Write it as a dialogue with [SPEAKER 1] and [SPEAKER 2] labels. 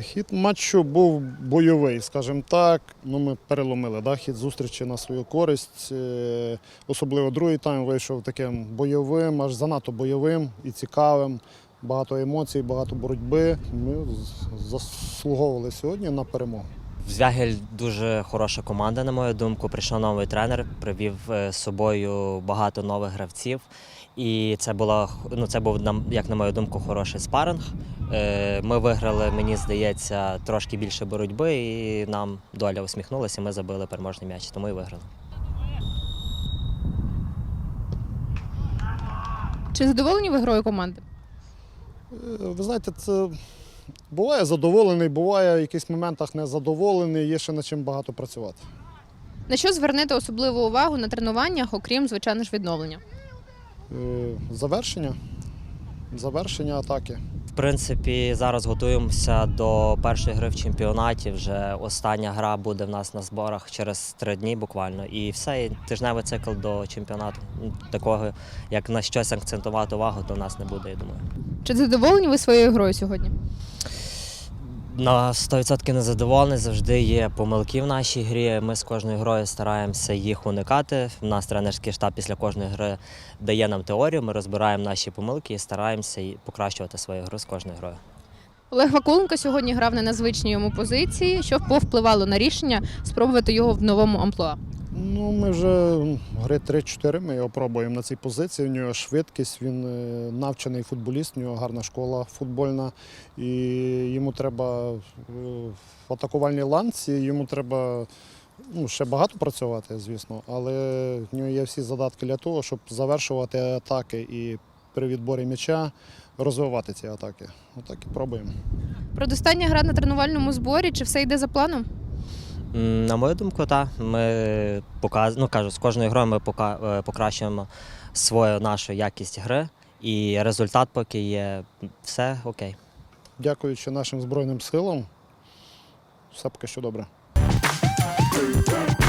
[SPEAKER 1] Хід матчу був бойовий, скажімо так. Ми переломили хід зустрічі на свою користь. Особливо другий тайм вийшов таким бойовим, аж занадто бойовим і цікавим. Багато емоцій, багато боротьби. Ми заслуговували сьогодні на перемогу.
[SPEAKER 2] Звягель дуже хороша команда, на мою думку. Прийшов новий тренер, привів з собою багато нових гравців. І це був, як на мою думку, хороший спаринг. Ми виграли, мені здається, трошки більше боротьби, і нам доля усміхнулася, ми забили переможний м'яч, тому і виграли.
[SPEAKER 3] Чи задоволені ви грою команди?
[SPEAKER 1] Ви знаєте, це буває задоволений, буває в якихось моментах незадоволений, є ще над чим багато працювати.
[SPEAKER 3] На що звернете особливу увагу на тренуваннях, окрім, звичайно ж, відновлення?
[SPEAKER 1] Завершення атаки.
[SPEAKER 2] В принципі, зараз готуємося до першої гри в чемпіонаті. Вже остання гра буде в нас на зборах через 3 дні буквально. І все, і тижневий цикл до чемпіонату. Такого, як на щось акцентувати увагу, то в нас не буде, я думаю.
[SPEAKER 3] Чи задоволені ви своєю грою сьогодні?
[SPEAKER 2] На 100% незадоволений, завжди є помилки в нашій грі. Ми з кожною грою стараємося їх уникати. У нас тренерський штаб після кожної гри дає нам теорію, ми розбираємо наші помилки і стараємося покращувати свою гру з кожною грою.
[SPEAKER 3] Олег Вакуленко сьогодні грав на незвичній йому позиції. Що повпливало на рішення спробувати його в новому амплуа?
[SPEAKER 1] Ми вже гри 3-4, ми його пробуємо на цій позиції. У нього швидкість, він навчений футболіст, у нього гарна школа футбольна. І йому треба в атакувальній ланці, йому треба ще багато працювати, звісно, але в нього є всі задатки для того, щоб завершувати атаки і при відборі м'яча розвивати ці атаки. Отак і пробуємо.
[SPEAKER 3] Предостання гра на тренувальному зборі, чи все йде за планом?
[SPEAKER 2] На мою думку, так. Ми з кожною грою ми покращуємо нашу якість гри, і результат поки є, все окей.
[SPEAKER 1] Дякуючи нашим Збройним силам, все поки що добре.